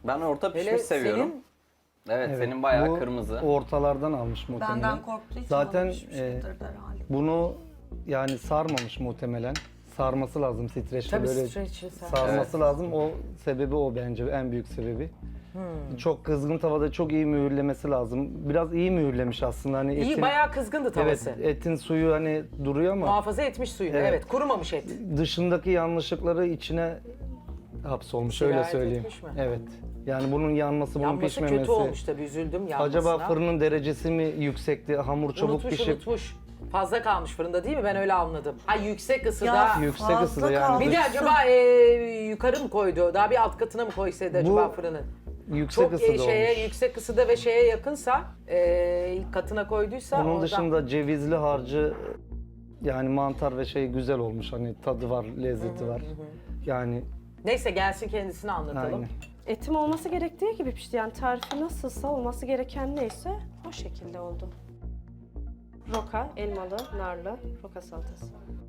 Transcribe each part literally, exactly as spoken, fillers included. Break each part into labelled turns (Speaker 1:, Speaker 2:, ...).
Speaker 1: Ben orta
Speaker 2: Hele
Speaker 1: pişmiş seviyorum.
Speaker 2: senin-
Speaker 1: Evet,
Speaker 3: Evet,
Speaker 1: senin bayağı
Speaker 3: bu
Speaker 1: kırmızı.
Speaker 3: ortalardan almış muhtemelen.
Speaker 4: Benden korktuğu için
Speaker 3: Zaten
Speaker 4: almış bir
Speaker 3: e,
Speaker 4: şeydir herhalde.
Speaker 3: bunu yani sarmamış muhtemelen. Sarması lazım streçle
Speaker 2: Tabii
Speaker 3: böyle
Speaker 2: streçle sar-
Speaker 3: sarması
Speaker 1: Evet.
Speaker 3: lazım. O sebebi o bence en büyük sebebi.
Speaker 2: Hmm.
Speaker 3: Çok kızgın tavada çok iyi mühürlemesi lazım. Biraz iyi mühürlemiş aslında hani
Speaker 2: İyi
Speaker 3: etin.
Speaker 2: bayağı kızgındı
Speaker 3: Evet,
Speaker 2: tavası.
Speaker 3: etin suyu hani duruyor ama
Speaker 2: Muhafaza etmiş suyunu. Evet.
Speaker 3: Evet.
Speaker 2: Kurumamış et.
Speaker 3: dışındaki yanlışlıkları içine hapsolmuş
Speaker 2: Sirayet
Speaker 3: öyle söyleyeyim.
Speaker 2: etmiş mi?
Speaker 3: Evet. Yani bunun yanması, bunun
Speaker 2: Yanması
Speaker 3: pişmemesi.
Speaker 2: kötü olmuş tabii, üzüldüm yanmasına.
Speaker 3: Acaba fırının derecesi mi yüksekti? Hamur çabuk
Speaker 2: Unutmuş
Speaker 3: pişip
Speaker 2: unutmuş. Fazla kalmış fırında değil mi? Ben öyle anladım. Ha yüksek ısıda.
Speaker 4: Ya,
Speaker 3: yüksek
Speaker 4: fazla
Speaker 3: ısıda yani.
Speaker 4: kaldı.
Speaker 2: Bir de acaba e, yukarı mı koydu? Daha bir alt katına mı koysaydı acaba
Speaker 3: Bu
Speaker 2: fırının?
Speaker 3: yüksek
Speaker 2: Çok
Speaker 3: ısıda
Speaker 2: e, şeye,
Speaker 3: olmuş.
Speaker 2: yüksek ısıda ve şeye yakınsa, e, ilk katına koyduysa
Speaker 3: Onun
Speaker 2: oradan...
Speaker 3: dışında cevizli harcı yani mantar ve şey güzel olmuş. Hani tadı var, lezzeti var. Yani
Speaker 2: Neyse gelsin kendisini anlatalım.
Speaker 3: aynen.
Speaker 5: Etim olması gerektiği gibi pişti. Yani tarifi nasılsa olması gereken neyse o şekilde oldu. Roka, elmalı, narlı, roka salatası.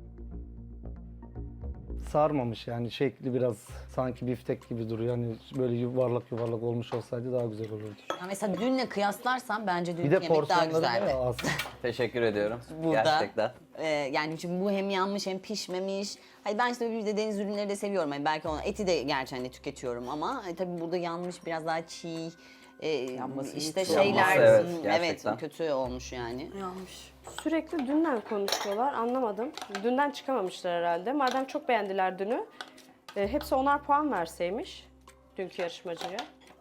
Speaker 3: Sarmamış yani şekli biraz sanki biftek gibi duruyor. Hani böyle yuvarlak yuvarlak olmuş olsaydı daha güzel olurdu.
Speaker 6: Ya mesela dünle kıyaslarsan bence dünkü
Speaker 3: Bir de
Speaker 6: yemek daha
Speaker 3: porsiyonları
Speaker 6: güzeldi.
Speaker 3: bayağı az.
Speaker 1: Teşekkür ediyorum.
Speaker 6: Burada.
Speaker 1: Gerçekten.
Speaker 6: Ee, yani çünkü bu hem yanmış hem pişmemiş. Hani ben işte bir de deniz ürünleri de seviyorum. Hani belki ona eti de gerçi hani tüketiyorum ama hani tabii burada yanmış biraz daha çiğ. E,
Speaker 2: Yanması
Speaker 6: işte
Speaker 2: iyi.
Speaker 6: şeyler
Speaker 1: Yanması, evet,
Speaker 6: evet,
Speaker 1: gerçekten.
Speaker 6: kötü olmuş yani.
Speaker 4: Yanlış.
Speaker 5: Sürekli dünden konuşuyorlar, anlamadım. Dünden çıkamamışlar herhalde. Madem çok beğendiler dünü, e, hepsi onar puan verseymiş dünkü yarışmacıya.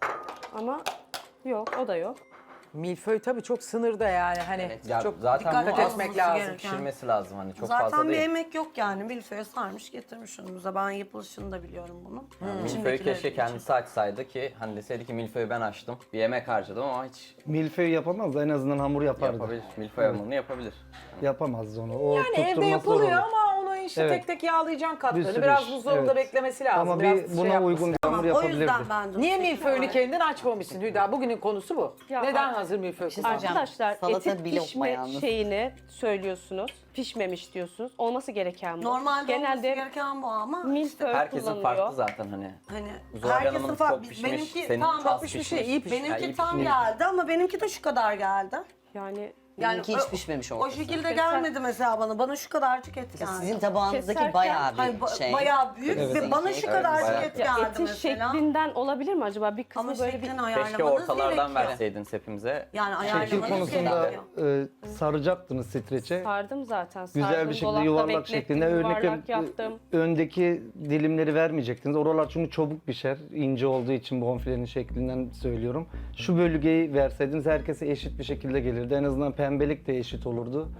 Speaker 5: Ama yok, o da yok.
Speaker 2: Milföy tabii çok sınırda yani. Hani
Speaker 6: Evet.
Speaker 1: Ya
Speaker 2: çok
Speaker 1: zaten
Speaker 2: dikkat
Speaker 1: bu
Speaker 2: etmek
Speaker 4: az
Speaker 2: lazım.
Speaker 4: gereken.
Speaker 1: Pişirmesi lazım hani çok
Speaker 4: Zaten
Speaker 1: fazla
Speaker 4: bir
Speaker 1: değil.
Speaker 4: yemek yok yani. Milföye sarmış getirmiş önümüze. Ben yapılışını da biliyorum bunun.
Speaker 1: Milföy'ü
Speaker 4: İçindekileri
Speaker 1: keşke
Speaker 4: için.
Speaker 1: kendisi açsaydı ki hani deseydi ki milföyü ben açtım. Bir yemek harcadım ama hiç
Speaker 3: Milföy yapamaz da en azından hamur yapardı.
Speaker 1: yapabilir. Milföy hamurunu yapabilir.
Speaker 3: Yapamazdı onu. O
Speaker 2: Yani evde
Speaker 3: tutturması
Speaker 2: yapılıyor
Speaker 3: zor olur.
Speaker 2: ama onu işte
Speaker 3: Evet.
Speaker 2: tek tek yağlayacaksın katlarını.
Speaker 3: Bir sürü
Speaker 2: Biraz
Speaker 3: iş,
Speaker 2: buzdolabında
Speaker 3: evet.
Speaker 2: beklemesi lazım.
Speaker 3: Ama
Speaker 2: Biraz
Speaker 3: bir
Speaker 2: şey
Speaker 3: buna
Speaker 2: yapması
Speaker 3: uygun bir hamur
Speaker 4: Tamam, o
Speaker 3: yapabilirdi.
Speaker 4: yüzden ben de...
Speaker 2: Niye milföyünü kendin açmamışsın Hüda? Bugünün konusu bu.
Speaker 5: Ya
Speaker 2: Neden
Speaker 5: ar-
Speaker 2: hazır milföy
Speaker 6: şey
Speaker 2: kullandın?
Speaker 6: söyleyeceğim.
Speaker 5: Arkadaşlar
Speaker 6: Salata
Speaker 5: etin
Speaker 6: bir lokma
Speaker 5: pişme
Speaker 6: yalnız.
Speaker 5: şeyini söylüyorsunuz. Pişmemiş diyorsunuz. Olması gereken bu.
Speaker 4: Normalde olması
Speaker 5: Genelde
Speaker 4: gereken bu ama
Speaker 5: milföy
Speaker 1: Herkesin
Speaker 5: kullanılıyor.
Speaker 1: farklı zaten hani.
Speaker 4: hani
Speaker 1: Zuhal
Speaker 4: herkesin
Speaker 1: Hanım'ın
Speaker 4: farklı.
Speaker 1: çok pişmiş,
Speaker 4: Benimki
Speaker 1: senin
Speaker 4: tam
Speaker 1: az
Speaker 4: pişmiş,
Speaker 1: pişmiş.
Speaker 4: şey, iyi pişmiş.
Speaker 1: Ha, iyi
Speaker 4: Benimki tam
Speaker 1: pişmiş.
Speaker 4: geldi ama benimki de şu kadar geldi.
Speaker 5: Yani
Speaker 6: Benimki hiç
Speaker 4: o-
Speaker 6: pişmemiş
Speaker 4: O
Speaker 6: ortası.
Speaker 4: şekilde gelmedi mesela bana. Bana şu kadarcık et geldi.
Speaker 6: Sizin tabağınızdaki
Speaker 5: Keserken-
Speaker 6: bayağı bir
Speaker 4: Hayır, ba-
Speaker 6: şey.
Speaker 4: bayağı büyük
Speaker 3: Evet.
Speaker 4: ve bana şu
Speaker 6: Evet,
Speaker 4: kadarcık
Speaker 1: bayağı.
Speaker 4: et
Speaker 5: ya
Speaker 4: geldi
Speaker 5: etin
Speaker 4: mesela.
Speaker 5: şeklinden olabilir mi acaba? Bir kısmı
Speaker 4: Ama
Speaker 5: böyle bir...
Speaker 4: şeklini
Speaker 1: Keşke
Speaker 4: ayarlamanız
Speaker 1: ortalardan
Speaker 4: gerekiyor.
Speaker 1: verseydiniz hepimize.
Speaker 4: Yani
Speaker 3: Şekil
Speaker 4: ayarlamanız
Speaker 3: konusunda
Speaker 4: gerekiyor.
Speaker 3: e, saracaktınız streçe.
Speaker 5: Sardım zaten. Sardım,
Speaker 3: Güzel bir şekilde
Speaker 5: dolapta
Speaker 3: yuvarlak
Speaker 5: beklettim,
Speaker 3: şeklinde. Örnek
Speaker 5: yuvarlak yaptım.
Speaker 3: öndeki dilimleri vermeyecektiniz. Oralar çünkü çabuk pişer. İnce olduğu için bonfilenin şeklinden söylüyorum. Şu bölgeyi verseydiniz herkese eşit bir şekilde gelirdi. En azından pembelik de eşit olurdu.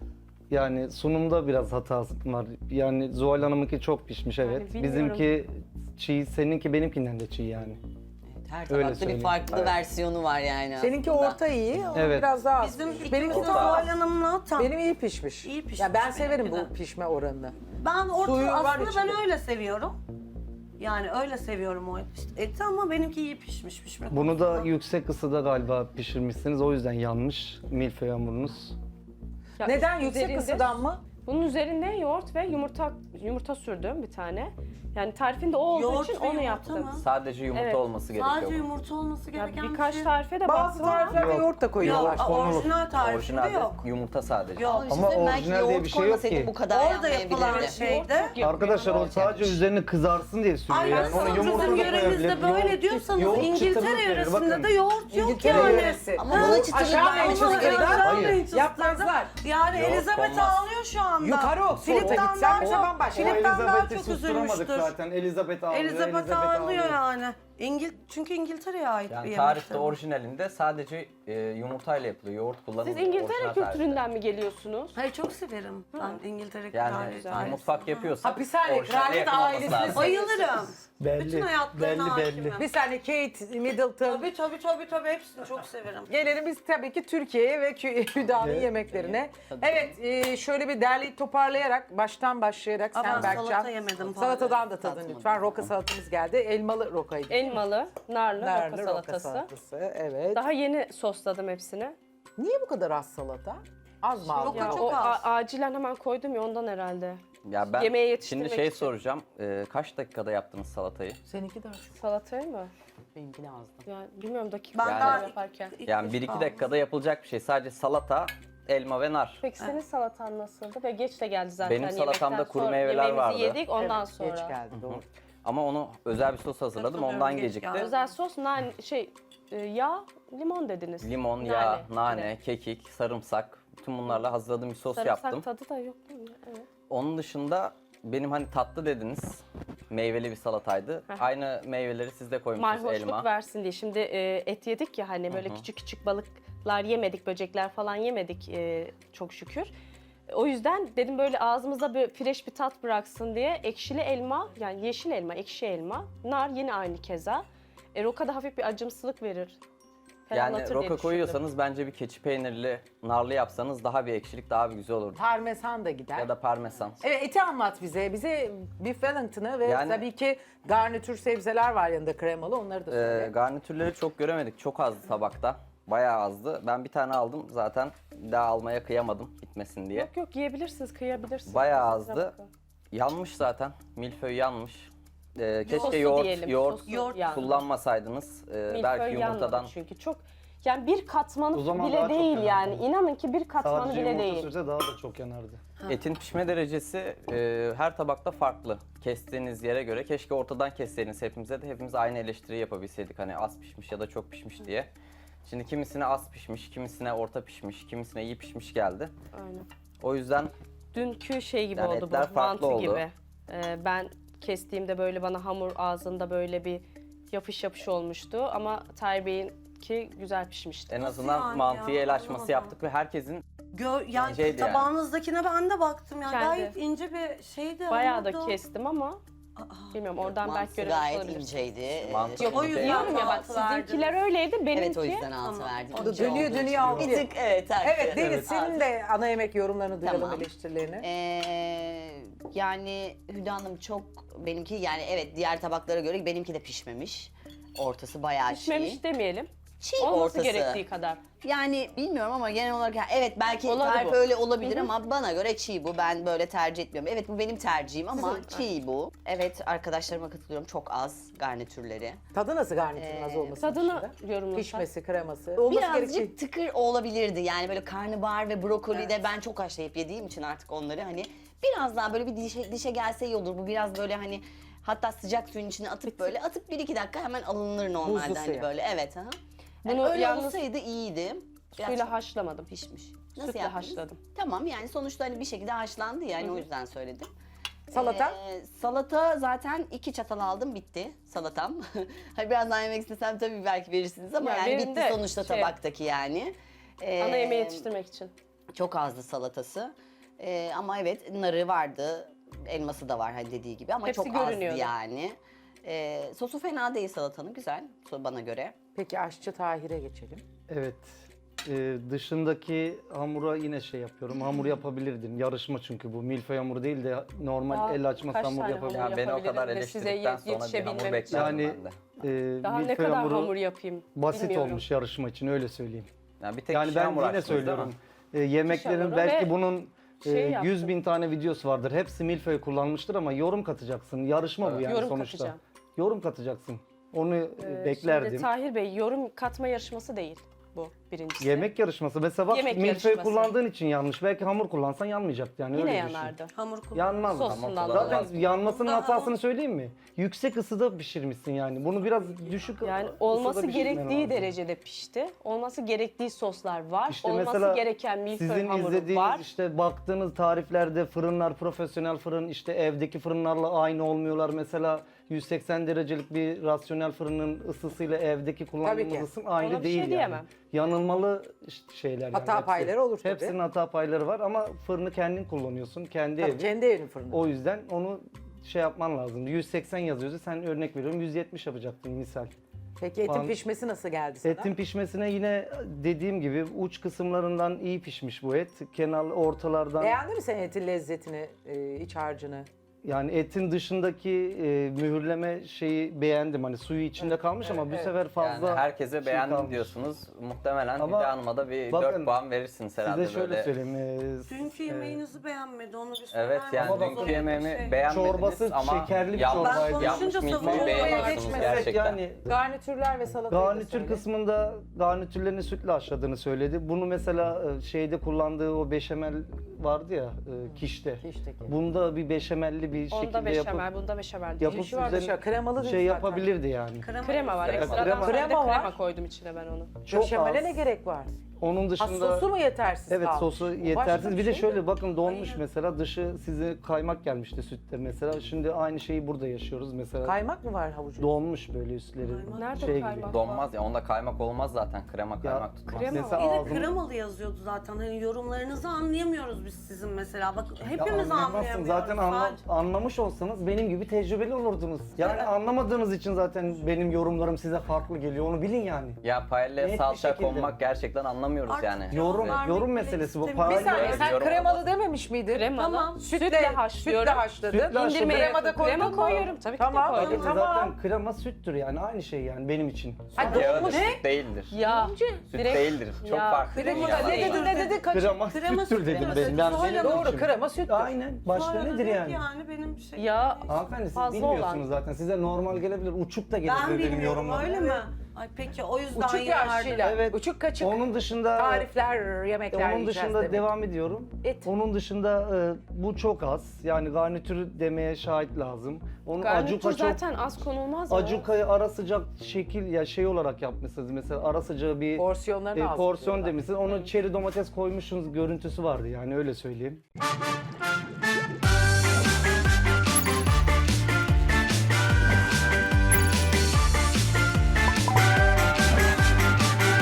Speaker 3: Yani sunumda biraz hata var. Yani Zuhal Hanım'ınki çok pişmiş evet.
Speaker 5: bilmiyorum.
Speaker 3: Bizimki çiğ, seninki benimkinden de çiğ yani.
Speaker 6: Her
Speaker 3: Öyle
Speaker 6: tabakta bir
Speaker 3: söyleyeyim.
Speaker 6: farklı
Speaker 1: Evet.
Speaker 6: versiyonu var yani
Speaker 2: Seninki
Speaker 6: aslında.
Speaker 2: orta iyi, o
Speaker 3: Evet.
Speaker 2: biraz daha az.
Speaker 4: Bizim
Speaker 2: pişmiş.
Speaker 4: benimki
Speaker 2: Benimki
Speaker 4: de
Speaker 2: de
Speaker 4: Zuhal Hanım'la tam.
Speaker 2: Benim iyi pişmiş.
Speaker 4: İyi pişmiş
Speaker 2: Ya ben severim
Speaker 4: benimki
Speaker 2: bu
Speaker 4: de.
Speaker 2: pişme oranını.
Speaker 4: Ben orta
Speaker 2: Suyu var
Speaker 4: aslında
Speaker 2: içinde.
Speaker 4: ben öyle seviyorum. Yani öyle seviyorum o eti ama benimki iyi pişmiş pişme
Speaker 3: Bunu da
Speaker 4: konusunda.
Speaker 3: yüksek ısıda galiba pişirmişsiniz. O yüzden yanmış milföy hamurunuz.
Speaker 5: Ya
Speaker 2: Neden
Speaker 5: üst-
Speaker 2: yüksek
Speaker 5: üzerinde-
Speaker 2: ısıdan mı?
Speaker 5: Bunun üzerine yoğurt ve yumurta yumurta sürdüm bir tane. Yani tarifinde o olduğu
Speaker 4: Yoğurt
Speaker 5: için
Speaker 4: ve
Speaker 5: onu
Speaker 4: yumurta
Speaker 5: yaptım.
Speaker 4: mı?
Speaker 1: Sadece yumurta
Speaker 5: Evet.
Speaker 1: olması gerekiyor.
Speaker 4: Sadece
Speaker 1: bunun.
Speaker 4: yumurta olması
Speaker 5: Ya
Speaker 4: gereken
Speaker 5: birkaç
Speaker 4: bir şey.
Speaker 5: tarife de
Speaker 2: Bazı
Speaker 5: baktım ama
Speaker 2: tariflerde
Speaker 3: Yok.
Speaker 2: yoğurt da koyuyorlar.
Speaker 4: Yok,
Speaker 3: Konulur.
Speaker 4: orijinal tarifinde
Speaker 1: Orijinalde
Speaker 4: yok.
Speaker 1: yumurta sadece.
Speaker 4: Yok.
Speaker 6: Ama, işte
Speaker 3: Ama
Speaker 6: belki
Speaker 3: orijinal diye
Speaker 6: yoğurt
Speaker 3: bir şey yok
Speaker 6: koymasaydı
Speaker 3: ki.
Speaker 6: bu kadar
Speaker 4: Orada yapılan
Speaker 6: yanmayabilirdi.
Speaker 4: şeyde.
Speaker 5: yoğurt yok.
Speaker 3: Arkadaşlar o
Speaker 6: yoğurt
Speaker 3: sadece
Speaker 6: yapmış.
Speaker 3: üzerine kızarsın diye sürüyor.
Speaker 4: Ay
Speaker 3: Yani
Speaker 4: nasıl
Speaker 3: onu
Speaker 4: bizim
Speaker 3: yumurta da
Speaker 4: yöremizde
Speaker 3: koyabilir.
Speaker 4: böyle
Speaker 3: Yoğurt-
Speaker 4: diyorsanız
Speaker 3: yoğurt
Speaker 4: İngiltere
Speaker 3: çıtırlık verir,
Speaker 4: yöresinde
Speaker 3: bakın.
Speaker 4: de yoğurt yok
Speaker 2: İngiltere
Speaker 4: yani.
Speaker 2: yöresi.
Speaker 6: Ama buna çıtırlık
Speaker 2: Aşağı
Speaker 6: vermeniz
Speaker 2: Manchester'da
Speaker 6: gerekiyor.
Speaker 3: Hayır.
Speaker 2: Yapmazlar.
Speaker 4: Yani
Speaker 1: Yoğurt
Speaker 4: Elizabeth
Speaker 1: olmaz.
Speaker 4: ağlıyor şu anda.
Speaker 2: Yukarı Oxford'a
Speaker 4: Filip'ten
Speaker 2: gitsen
Speaker 4: daha
Speaker 2: bize
Speaker 4: çok,
Speaker 2: bambaşka.
Speaker 3: O
Speaker 4: Filip'ten daha
Speaker 3: Elizabeth'i
Speaker 4: çok
Speaker 3: susturamadık
Speaker 4: üzülmüştür.
Speaker 3: zaten. Elizabeth ağlıyor.
Speaker 4: Elizabeth ağlıyor yani. İngil çünkü İngiltere'ye ait bir
Speaker 1: Yani
Speaker 4: yemek.
Speaker 1: tarifte orijinalinde sadece e, yumurtayla yapılıyor. Yoğurt kullanılmıyor.
Speaker 5: siz İngiltere
Speaker 1: orijinal tarifte.
Speaker 5: kültüründen mi geliyorsunuz?
Speaker 4: Hayır çok severim ben İngiltere
Speaker 1: Yani
Speaker 4: tarifini.
Speaker 1: mutfak yapıyorsak
Speaker 2: Hapishane,
Speaker 1: orijinaline
Speaker 2: kraliyet
Speaker 1: yakın olması
Speaker 2: ailesine
Speaker 1: lazım.
Speaker 4: Bayılırım.
Speaker 3: Belli,
Speaker 4: Bütün hayatlarına
Speaker 3: belli,
Speaker 4: hakimim.
Speaker 3: belli.
Speaker 2: Bir saniye Kate Middleton.
Speaker 4: Tabii tabii tabii tabii hepsini çok severim.
Speaker 2: Gelelim biz tabii ki Türkiye'ye ve Kü- Hüda'nın
Speaker 3: Evet.
Speaker 2: yemeklerine. Evet, e, şöyle bir derleyip toparlayarak, baştan başlayarak
Speaker 4: Aa,
Speaker 2: sen
Speaker 4: ben
Speaker 2: Berkcan.
Speaker 4: salata yemedim, pardon.
Speaker 2: Salatadan da tadın
Speaker 6: Tatmadım.
Speaker 2: lütfen. Roka salatamız geldi. Elmalı rokaydı.
Speaker 5: Elmalı, narlı,
Speaker 2: Narlı
Speaker 5: roka
Speaker 2: roka
Speaker 5: salatası.
Speaker 2: salatası. Evet.
Speaker 5: Daha yeni sosladım hepsini.
Speaker 2: Niye bu kadar az salata? Az mı aldın?
Speaker 4: Roka
Speaker 5: Ya
Speaker 4: çok
Speaker 5: o
Speaker 4: az.
Speaker 5: a- acilen hemen koydum ya ondan herhalde.
Speaker 1: Ya ben
Speaker 5: Yemeğe
Speaker 1: şimdi
Speaker 5: yetiştirmek
Speaker 1: şey
Speaker 5: için.
Speaker 1: soracağım. E, kaç dakikada yaptınız salatayı?
Speaker 2: Seninki de az.
Speaker 5: Salatayı mı?
Speaker 7: Benimki de azdı.
Speaker 5: Yani bilmiyorum dakika
Speaker 4: Ben
Speaker 1: Yani-
Speaker 4: daha
Speaker 5: yaparken.
Speaker 4: ilk-
Speaker 1: Yani
Speaker 4: ilk
Speaker 1: bir iki
Speaker 4: aldım.
Speaker 1: dakikada yapılacak bir şey. Sadece salata, elma ve nar.
Speaker 5: Peki senin salatan nasıldı? Ve geç de geldi zaten.
Speaker 1: Benim salatamda
Speaker 5: yemekten
Speaker 1: kuru
Speaker 5: sonra.
Speaker 1: meyveler
Speaker 5: Yemeğimizi
Speaker 1: vardı.
Speaker 5: yedik ondan
Speaker 2: Evet,
Speaker 5: sonra.
Speaker 2: Geç geldi doğru.
Speaker 1: Ama onu özel bir sos hazırladım.
Speaker 4: Katılıyorum,
Speaker 1: Ondan
Speaker 4: geç
Speaker 1: gecikti.
Speaker 4: geldi.
Speaker 5: Özel sos, nane, şey, e, yağ, limon dediniz.
Speaker 1: Limon,
Speaker 5: Nane,
Speaker 1: yağ,
Speaker 5: bir de.
Speaker 1: nane, kekik, sarımsak. Bütün bunlarla hazırladığım bir sos
Speaker 5: Sarımsak
Speaker 1: yaptım.
Speaker 5: tadı da yok değil mi? Evet.
Speaker 1: Onun dışında benim hani tatlı dediniz. Meyveli bir salataydı. Aynı meyveleri siz de koymuşsunuz,
Speaker 5: Marhoşluk
Speaker 1: elma.
Speaker 5: versin diye. Şimdi e, et yedik ya hani böyle küçük küçük balıklar yemedik, böcekler falan yemedik e, çok şükür. O yüzden dedim böyle ağzımıza bir fresh bir tat bıraksın diye ekşili elma, yani yeşil elma, ekşi elma, nar yine aynı keza. E, roka da hafif bir acımsılık verir. ferahlatır
Speaker 1: Yani
Speaker 5: diye
Speaker 1: roka
Speaker 5: düşündüm.
Speaker 1: koyuyorsanız bence bir keçi peynirli, narlı yapsanız daha bir ekşilik, daha bir güzel olur.
Speaker 2: Parmesan da gider.
Speaker 1: Ya da parmesan.
Speaker 2: Evet, eti anlat bize. Bize beef wellington'ı ve
Speaker 1: Yani-
Speaker 2: tabii ki garnitür sebzeler var yanında kremalı. Onları da
Speaker 1: Ee,
Speaker 2: söyle.
Speaker 1: garnitürleri çok göremedik. Çok azdı tabakta. Bayağı azdı. Ben bir tane aldım. Zaten bir daha almaya kıyamadım gitmesin diye.
Speaker 5: Yok yok yiyebilirsiniz, kıyabilirsiniz.
Speaker 1: Bayağı
Speaker 5: Size
Speaker 1: azdı.
Speaker 5: bakın.
Speaker 1: Yanmış zaten. Milföy yanmış. Ee, keşke
Speaker 5: Sosu
Speaker 1: yoğurt,
Speaker 5: diyelim,
Speaker 1: yoğurt,
Speaker 5: sosu
Speaker 4: yoğurt
Speaker 5: yandı.
Speaker 1: kullanmasaydınız. Ee,
Speaker 5: Milföy
Speaker 1: belki
Speaker 5: yanmadı
Speaker 1: yumurtadan.
Speaker 5: çünkü çok yani bir katmanı
Speaker 3: O zaman
Speaker 5: bile
Speaker 3: daha çok
Speaker 5: değil
Speaker 3: yanardı.
Speaker 5: yani. İnanın ki bir katmanı
Speaker 3: Sadece
Speaker 5: bile
Speaker 3: yumurta
Speaker 5: değil.
Speaker 3: sürse daha da çok yanardı.
Speaker 1: Etin pişme derecesi e, her tabakta farklı. Kestiğiniz yere göre. Keşke ortadan kesseydiniz hepimize de hepimiz aynı eleştiriyi yapabilseydik. Hani az pişmiş ya da çok pişmiş diye. Şimdi kimisine az pişmiş, kimisine orta pişmiş, kimisine iyi pişmiş geldi.
Speaker 5: Aynen.
Speaker 1: O yüzden
Speaker 5: Dünkü şey gibi
Speaker 1: Yani
Speaker 5: oldu
Speaker 1: etler
Speaker 5: bu,
Speaker 1: farklı
Speaker 5: mantı
Speaker 1: oldu.
Speaker 5: gibi. Ee, ben kestiğimde böyle bana hamur ağzında böyle bir yapış yapış olmuştu ama Tahir Bey'inki güzel pişmişti.
Speaker 1: en
Speaker 4: Nasıl
Speaker 1: azından
Speaker 4: yani
Speaker 1: mantıya
Speaker 4: ya?
Speaker 1: el açması
Speaker 4: Anlamadım.
Speaker 1: yaptık ve herkesin
Speaker 4: Gö yani
Speaker 1: Şeydi yani.
Speaker 4: tabağınızdakine ben de baktım ya.
Speaker 5: Kendi.
Speaker 4: Gayet ince bir şeydi.
Speaker 5: Bayağı da
Speaker 4: hamurdu.
Speaker 5: kestim ama bilmiyorum oradan belki
Speaker 6: Mantısı
Speaker 5: göremiş
Speaker 6: gayet
Speaker 5: olabilirsiniz.
Speaker 6: inceydi.
Speaker 1: Mantı-
Speaker 6: Ee,
Speaker 1: O yüzden
Speaker 5: Diyorum ya bak
Speaker 4: altı verdiniz.
Speaker 5: sizinkiler öyleydi benimki.
Speaker 6: Evet o yüzden altı
Speaker 4: Tamam.
Speaker 6: verdim.
Speaker 2: O da
Speaker 6: İnce
Speaker 2: dönüyor
Speaker 6: olduğu için.
Speaker 2: dönüyor altı.
Speaker 6: Bir tık evet. haklı.
Speaker 2: Evet Deniz
Speaker 6: Evet.
Speaker 2: senin de ana yemek yorumlarını duyalım,
Speaker 6: Tamam.
Speaker 2: eleştirilerini.
Speaker 6: Ee, yani Hüda Hanım çok benimki yani evet diğer tabaklara göre benimki de pişmemiş. Ortası bayağı
Speaker 5: Pişmemiş
Speaker 6: çiğ.
Speaker 5: demeyelim.
Speaker 6: Çiğ
Speaker 5: Olması
Speaker 6: ortası.
Speaker 5: gerektiği kadar.
Speaker 6: Yani bilmiyorum ama genel olarak yani evet belki
Speaker 5: Olabilir
Speaker 6: tarif
Speaker 5: bu.
Speaker 6: öyle olabilir ama bana göre çiğ bu. Ben böyle tercih etmiyorum. Evet bu benim tercihim ama
Speaker 5: Sizin-
Speaker 6: çiğ bu. Evet arkadaşlarıma katılıyorum. Çok az garnitürleri.
Speaker 2: Tadı nasıl garnitürün az olması
Speaker 5: Tadını
Speaker 2: dışında?
Speaker 5: yorumlasak.
Speaker 2: Pişmesi, kreması. Olması
Speaker 6: Birazcık
Speaker 2: gerektiği.
Speaker 6: tıkır olabilirdi. Yani böyle karnabahar ve brokoli de ben çok haşlayıp yediğim için artık onları hani biraz daha böyle bir dişe, dişe gelse iyi olur. Bu biraz böyle hani hatta sıcak suyun içine atıp böyle atıp bir iki dakika hemen alınır normalde
Speaker 2: Buzlu
Speaker 6: hani
Speaker 2: suya.
Speaker 6: böyle evet. Aha. Yani
Speaker 5: Bunu
Speaker 6: öyle
Speaker 5: yalnız
Speaker 6: olsaydı iyiydi. Biraz
Speaker 5: Suyla
Speaker 6: çok
Speaker 5: haşlamadım.
Speaker 6: pişmiş.
Speaker 5: Sütle
Speaker 6: yaptınız?
Speaker 5: haşladım.
Speaker 6: Tamam yani sonuçta hani bir şekilde haşlandı yani o yüzden söyledim.
Speaker 2: Salata?
Speaker 6: Ee, salata zaten iki çatal aldım bitti salatam. Hani biraz daha yemek istesem tabii belki verirsiniz ama
Speaker 5: Ya
Speaker 6: yani
Speaker 5: verin
Speaker 6: bitti
Speaker 5: de
Speaker 6: sonuçta
Speaker 5: şey-
Speaker 6: tabaktaki yani. Ee,
Speaker 5: Ana yemeği yetiştirmek için.
Speaker 6: Çok azdı salatası. Ee, ama evet narı vardı, elması da var hani dediği gibi ama
Speaker 5: Hepsi
Speaker 6: çok azdı
Speaker 5: görünüyordu.
Speaker 6: yani. Ee, sosu fena değil salatanın güzel so- bana göre.
Speaker 2: Peki aşçı Tahir'e geçelim.
Speaker 3: Evet. Ee, dışındaki hamura yine şey yapıyorum. Hamur yapabilirdim. Yarışma çünkü bu. Milföy hamuru değil de normal
Speaker 5: Daha
Speaker 3: el açması
Speaker 5: kaç
Speaker 3: hamur
Speaker 5: tane
Speaker 3: yapabilirim.
Speaker 5: hamur
Speaker 1: yani beni o kadar
Speaker 5: yapabilirim ve size
Speaker 1: eleştirdikten
Speaker 5: yet-
Speaker 1: sonra bir hamur
Speaker 5: yetişebilmem için.
Speaker 1: beklerdim
Speaker 3: Yani
Speaker 1: ben de.
Speaker 3: e,
Speaker 5: Daha ne
Speaker 3: milföy
Speaker 5: kadar
Speaker 3: hamuru
Speaker 5: hamur yapayım
Speaker 3: basit
Speaker 5: bilmiyorum.
Speaker 3: olmuş yarışma için öyle söyleyeyim.
Speaker 1: Yani bir tek
Speaker 3: Yani
Speaker 1: kişi
Speaker 3: ben
Speaker 1: hamur
Speaker 3: yine
Speaker 1: açtınız, değil
Speaker 3: söylüyorum.
Speaker 1: mi?
Speaker 3: E, yemeklerin
Speaker 5: hamuru
Speaker 3: belki
Speaker 5: ve
Speaker 3: bunun e,
Speaker 5: şey yaptım.
Speaker 3: yüz bin tane videosu vardır. Hepsi milföy kullanmıştır ama yorum katacaksın. Yarışma bu yani
Speaker 5: Yorum
Speaker 3: sonuçta.
Speaker 5: katacağım.
Speaker 3: Yorum katacaksın. Onu e,
Speaker 5: Ee,
Speaker 3: beklerdim.
Speaker 5: Şimdi Tahir Bey yorum katma yarışması değil bu birincisi.
Speaker 3: Yemek yarışması. Mesela bak
Speaker 5: Yemek
Speaker 3: milföy
Speaker 5: yarışması.
Speaker 3: kullandığın için yanlış. Belki hamur kullansan yanmayacaktı yani
Speaker 5: Yine
Speaker 3: öyle düşün.
Speaker 5: yanardı.
Speaker 4: Hamur kullan.
Speaker 3: Yanmaz.
Speaker 5: Sosundan
Speaker 1: Tamam,
Speaker 5: dolayı.
Speaker 3: Zaten yanmasının hatasını söyleyeyim mi? Yüksek ısıda pişirmişsin yani. Bunu biraz düşük
Speaker 5: Yani
Speaker 3: ısıda
Speaker 5: olması
Speaker 3: pişirmen
Speaker 5: gerektiği
Speaker 3: lazım.
Speaker 5: derecede pişti. Olması gerektiği soslar var.
Speaker 3: İşte
Speaker 5: olması
Speaker 3: mesela
Speaker 5: gereken milföy
Speaker 3: sizin
Speaker 5: hamuru
Speaker 3: izlediğiniz
Speaker 5: var.
Speaker 3: işte baktığınız tariflerde fırınlar profesyonel fırın işte evdeki fırınlarla aynı olmuyorlar. Mesela yüz seksen derecelik bir rasyonel fırının ısısıyla evdeki
Speaker 2: Tabii
Speaker 3: kullandığımız
Speaker 2: ki.
Speaker 3: ısın aynı
Speaker 5: Ona bir
Speaker 3: değil
Speaker 5: şey
Speaker 3: yani.
Speaker 5: diyemem.
Speaker 3: Yanılmalı işte şeyler yani.
Speaker 2: Hata
Speaker 3: hepsi.
Speaker 2: payları olur tabii.
Speaker 3: Hepsinin hata payları var ama fırını kendin kullanıyorsun. Kendi
Speaker 2: Tabii
Speaker 3: evin.
Speaker 2: kendi evinin fırını.
Speaker 3: O yüzden onu şey yapman lazım. yüz seksen yazıyordu. Sen örnek veriyorum yüz yetmiş yapacaktın misal.
Speaker 2: Peki etin
Speaker 3: An-
Speaker 2: pişmesi nasıl geldi sana?
Speaker 3: Etin pişmesine yine dediğim gibi uç kısımlarından iyi pişmiş bu et. Kenar ortalardan
Speaker 2: Beğendin mi sen etin lezzetini, e, iç harcını?
Speaker 3: Yani etin dışındaki e, mühürleme şeyi beğendim. Hani suyu içinde kalmış ama bu
Speaker 2: evet.
Speaker 3: sefer fazla
Speaker 1: Yani herkese
Speaker 3: şey
Speaker 1: beğendim
Speaker 3: kalmış.
Speaker 1: diyorsunuz. Muhtemelen
Speaker 3: Ama
Speaker 1: Hülya Hanım'a da bir
Speaker 3: bakın,
Speaker 1: dört puan verirsiniz herhalde
Speaker 3: Size şöyle
Speaker 1: böyle.
Speaker 3: söyleyeyim. e,
Speaker 4: Dünkü
Speaker 3: e,
Speaker 4: yemeğinizi beğenmedi onu bir söyler
Speaker 1: Evet yani
Speaker 3: Ama
Speaker 1: dünkü
Speaker 3: bakın,
Speaker 1: yemeğimi
Speaker 4: şey.
Speaker 1: beğenmediniz
Speaker 3: Çorbası
Speaker 1: ama
Speaker 3: şekerli bir
Speaker 1: yanlış,
Speaker 3: çorbaydı.
Speaker 1: yanlış
Speaker 4: Ben konuşunca
Speaker 1: milföyü
Speaker 4: savunmaya
Speaker 1: beğeniyorsunuz
Speaker 2: geçmesek
Speaker 1: gerçekten.
Speaker 3: Yani
Speaker 2: Garnitürler ve salatayı da
Speaker 3: garnitür
Speaker 2: söyle.
Speaker 3: kısmında garnitürlerini sütle haşladığını söyledi. Bunu mesela e, şeyde kullandığı o beşamel vardı ya e, kişte.
Speaker 2: Kişteki.
Speaker 3: Bunda bir beşamelli bir
Speaker 5: Onda
Speaker 3: şekilde
Speaker 5: beşamel,
Speaker 3: yapıp
Speaker 5: bunda beşamel değil.
Speaker 3: yapıp
Speaker 2: Yeşil var,
Speaker 3: üzerine
Speaker 2: dışarı kremalı değil
Speaker 3: şey
Speaker 2: zaten.
Speaker 3: yapabilirdi yani.
Speaker 5: Krema var
Speaker 1: Evet,
Speaker 5: ekstradan.
Speaker 3: krema.
Speaker 5: Sadece
Speaker 2: Krema
Speaker 5: krema,
Speaker 2: var.
Speaker 5: koydum içine ben onu.
Speaker 3: Çok
Speaker 2: Döşemele
Speaker 3: az.
Speaker 2: ne gerek var?
Speaker 3: Onun
Speaker 2: Ha,
Speaker 3: dışında
Speaker 2: sosu mu yetersiz
Speaker 3: evet
Speaker 2: kalmış?
Speaker 3: sosu
Speaker 2: Bu başka
Speaker 3: yetersiz. Bir de
Speaker 2: şey
Speaker 3: şöyle
Speaker 2: mi?
Speaker 3: bakın donmuş mesela dışı size kaymak gelmişti sütte mesela. Şimdi aynı şeyi burada yaşıyoruz mesela.
Speaker 2: Kaymak mı var havucun?
Speaker 3: Donmuş böyle üstleri.
Speaker 5: Nerede
Speaker 3: şey
Speaker 5: kaymak?
Speaker 3: gibi.
Speaker 1: Donmaz ya onda kaymak olmaz zaten krema kaymak tutmaz.
Speaker 5: krema
Speaker 3: Mesela
Speaker 4: Bir de
Speaker 3: ağzım-
Speaker 4: kremalı yazıyordu zaten. Hani yorumlarınızı anlayamıyoruz biz sizin mesela. Bak
Speaker 3: Ya
Speaker 4: hepimiz
Speaker 3: anlayamazsın.
Speaker 4: anlayamıyoruz.
Speaker 3: Zaten anla-
Speaker 4: Sadece-
Speaker 3: anlamış olsanız benim gibi tecrübeli olurdunuz. Yani anlamadığınız için zaten benim yorumlarım size farklı geliyor. Onu bilin yani.
Speaker 1: Ya paella'ya
Speaker 3: Net bir
Speaker 1: salça
Speaker 3: şekilde.
Speaker 1: konmak gerçekten anlamıyoruz
Speaker 4: Artık
Speaker 1: yani.
Speaker 3: Yorum
Speaker 4: vermek
Speaker 3: yorum
Speaker 4: bile
Speaker 3: meselesi bu.
Speaker 4: istemiyorum.
Speaker 2: Bir saniye
Speaker 1: Evet,
Speaker 2: sen
Speaker 1: yorum
Speaker 2: kremalı
Speaker 1: olmaz.
Speaker 2: dememiş miydin?
Speaker 5: Kremalı.
Speaker 4: Tamam.
Speaker 5: Sütle,
Speaker 2: Sütle
Speaker 5: haşlıyorum.
Speaker 2: Sütle haşladın.
Speaker 3: Sütle haşladım.
Speaker 2: İndirmeye krema da koydun
Speaker 5: Krema
Speaker 2: mu?
Speaker 5: koyuyorum. Tabii ki de
Speaker 2: Tamam.
Speaker 5: koydum.
Speaker 2: öyle,
Speaker 3: Zaten
Speaker 2: tamam.
Speaker 3: krema süttür yani aynı şey yani benim için.
Speaker 2: Ha,
Speaker 1: Yağı da
Speaker 2: donmuş.
Speaker 1: süt değildir.
Speaker 5: Ya.
Speaker 1: Süt
Speaker 5: direkt-
Speaker 1: değildir. Çok
Speaker 5: Ya,
Speaker 1: farklı
Speaker 2: Krema
Speaker 1: dünyalar.
Speaker 2: ne dedi ne dedi kaç?
Speaker 3: Krema,
Speaker 4: Krema
Speaker 3: süttür
Speaker 4: süt
Speaker 3: dedim
Speaker 4: krema
Speaker 3: benim.
Speaker 4: süt.
Speaker 3: Yani
Speaker 4: Söyle
Speaker 3: benim
Speaker 2: Doğru
Speaker 3: için.
Speaker 2: krema süttür.
Speaker 3: Aynen. Başka
Speaker 4: Sonra
Speaker 3: nedir
Speaker 4: dedik
Speaker 3: yani?
Speaker 4: Yani benim şey.
Speaker 5: Ya
Speaker 3: Hanımefendi siz
Speaker 5: fazla
Speaker 3: bilmiyorsunuz
Speaker 5: olan.
Speaker 3: zaten. Size normal gelebilir. Uçuk da
Speaker 4: Ben
Speaker 3: gelebilir benim
Speaker 4: bilmiyorum
Speaker 3: yorumlarım.
Speaker 4: öyle mi? Ay peki o yüzden
Speaker 2: Uçuk
Speaker 4: yardım-
Speaker 2: yaşlıyla.
Speaker 3: Evet.
Speaker 2: Uçuk kaçık.
Speaker 3: Onun dışında
Speaker 2: Tarifler, yemekler
Speaker 3: onun
Speaker 2: yiyeceğiz
Speaker 3: dışında
Speaker 2: demek.
Speaker 3: devam ediyorum.
Speaker 2: Et.
Speaker 3: Onun dışında e, bu çok az. Yani garnitür demeye şahit lazım. Onun
Speaker 5: Garnitür
Speaker 3: acuka çok
Speaker 5: zaten az konulmaz mı?
Speaker 3: acukayı ara sıcak şekil ya şey olarak yapmışsınız. Mesela ara sıcağı bir
Speaker 2: Porsiyonlarını
Speaker 3: e,
Speaker 2: az
Speaker 3: porsiyon
Speaker 2: tutuyorlar.
Speaker 3: demişsiniz. Onun çeri domates koymuşsunuz görüntüsü vardı yani öyle söyleyeyim.